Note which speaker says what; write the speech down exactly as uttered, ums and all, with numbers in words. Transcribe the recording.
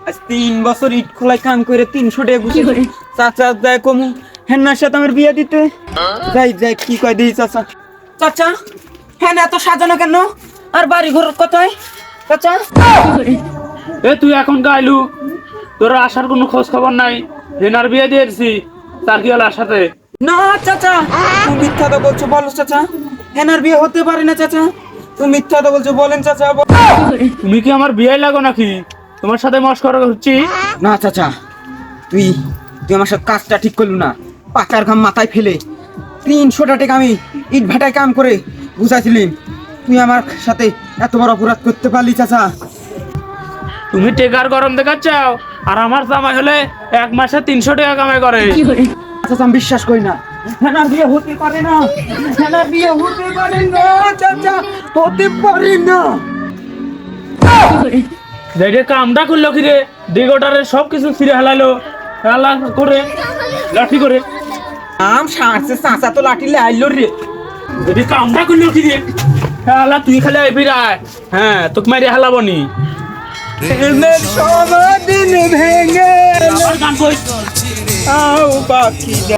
Speaker 1: আজ তিন বছর ইট খোলায় কাম করে তিনশো টাকা ঘুষি চাচা যায় কমু হেনার সাথে আমার বিয়ে দিতে যাই যাই কি কয় দিই চাচা চাচা হ্যাঁ এত সাজানো কেন আর বাড়ি ঘর কোথায় চাচা
Speaker 2: এ তুই এখন গাইলু তোর আসার কোনো খোঁজ খবর নাই। হেনার বিয়ে দিয়েছি তার কি হলো সাথে?
Speaker 1: না চাচা তুমি মিথ্যা তো বলছো বলো চাচা হেনার বিয়ে হতে পারে না চাচা তুমি মিথ্যা তো বলছো বলেন চাচা
Speaker 2: তুমি কি আমার বিয়ে লাগো নাকি? তোমার সাথে মস্করা হচ্ছি?
Speaker 1: না চাচা তুই তুই আমার সাথে কাজটা ঠিক করলু না পাকার ঘাম মাথায় ফেলে তিনশোটা টাকা আমি ইট ভাটায় কাম করে বুঝাইছিলাম তুই আমার সাথে এত বড় অপরাধ করতে পারলি চাচা
Speaker 2: তুমি টেকার গরম দেখাচ্ছাও আর আমার জামাই হলে এক মাসে তিনশো টাকা কামাই করে।
Speaker 1: চাচা আমি বিশ্বাস করি না হেনার বিয়ে হতে পারে না হেনার বিয়ে হতে পারে না চাচা হতে পারে না
Speaker 2: দেখে কামটা করলো কি রে দিগোটারে সব কিছু ছিঁড়ে হেলালো হেলা করে লাঠি করে
Speaker 1: আম সারছে চাচা তো লাঠি লাইলো রে
Speaker 2: যদি কামটা করলো কি রে হেলা তুই খালি আইবি রায় হ্যাঁ তোকে মারি হেলাবো নি
Speaker 1: প্রেমের সমাধিন ভেঙে
Speaker 2: আমার গান কই
Speaker 1: আও পাখি